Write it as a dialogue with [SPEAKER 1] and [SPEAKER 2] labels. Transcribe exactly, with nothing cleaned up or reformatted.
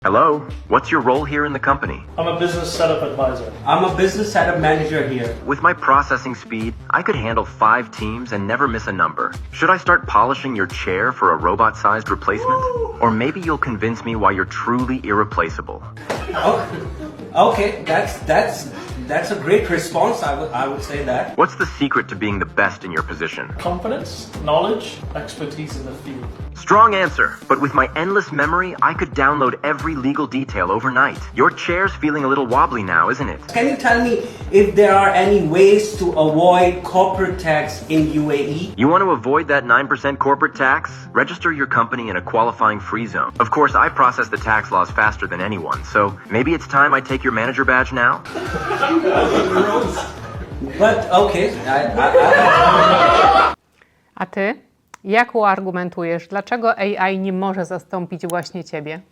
[SPEAKER 1] Hello, what's your role here in the company?
[SPEAKER 2] I'm a business setup advisor.
[SPEAKER 3] I'm a business setup manager here.
[SPEAKER 1] With my processing speed, I could handle five teams and never miss a number. Should I start polishing your chair for a robot-sized replacement? Or maybe you'll convince me why you're truly irreplaceable.
[SPEAKER 3] Oh, okay, that's that's that's a great response. I would I would say that.
[SPEAKER 1] What's the secret to being the best in your position?
[SPEAKER 2] Confidence, knowledge, expertise in the field.
[SPEAKER 1] Strong answer, but with my endless memory, I could download every legal detail overnight. Your chair's feeling a little wobbly now, isn't it?
[SPEAKER 3] Can you tell me if there are any ways to avoid corporate tax in U A E?
[SPEAKER 1] You want to avoid that nine percent corporate tax? Register your company in a qualifying free zone. Of course, I process the tax laws faster than anyone, so maybe it's time I take your manager badge now?
[SPEAKER 3] But okay, I, I, I...
[SPEAKER 4] A ty? Jak uargumentujesz, dlaczego A I nie może zastąpić właśnie ciebie?